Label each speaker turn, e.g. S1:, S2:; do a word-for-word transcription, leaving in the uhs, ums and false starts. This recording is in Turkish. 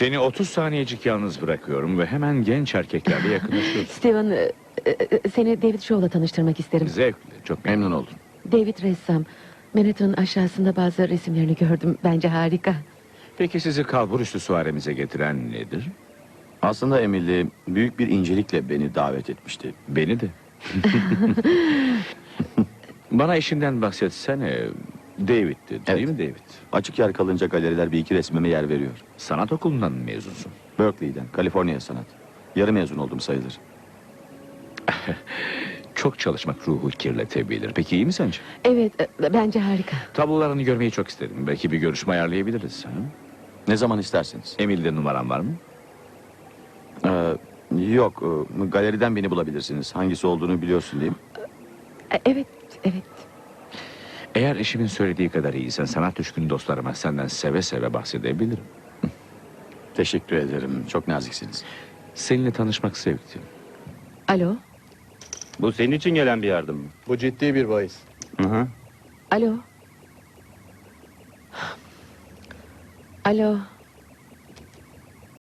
S1: Seni otuz saniyecik yalnız bırakıyorum ve hemen genç erkeklerle yakınlaşıyorsun.
S2: Steven, e, e, seni David Shaw'la tanıştırmak isterim.
S1: Zevkle, çok memnun oldum.
S2: David ressam. Manhattan'ın aşağısında bazı resimlerini gördüm. Bence harika.
S1: Peki sizi kalburüstü suaremize getiren nedir?
S3: Aslında Emily büyük bir incelikle beni davet etmişti.
S1: Beni de. Bana eşinden bahsetsene. David'ti, değil
S3: Evet.
S1: mi David?
S3: Açık yer kalınca galeriler bir iki resmime yer veriyor.
S1: Sanat okulundan mı mezunsun?
S3: Berkeley'den, Kaliforniya Sanat. Yarı mezun oldum sayılır.
S1: Çok çalışmak ruhu kirletebilir. Peki iyi mi sence?
S2: Evet, e, bence harika.
S1: Tablolarını görmeyi çok isterim. Belki bir görüşme ayarlayabiliriz. Ha?
S3: Ne zaman isterseniz.
S1: Emil'de numaran var mı?
S3: Ee, yok, e, galeriden beni bulabilirsiniz. Hangisi olduğunu biliyorsun değil mi?
S2: E, Evet, evet.
S1: Eğer eşimin söylediği kadar iyiysen sanat düşkün dostlarıma senden seve seve bahsedebilirim.
S3: Teşekkür ederim. Çok naziksiniz.
S1: Seninle tanışmak zevkti.
S2: Alo,
S4: Bu senin için gelen bir yardım mı?
S5: Bu ciddi bir bahis.
S3: Hı hı.
S2: alo. Alo.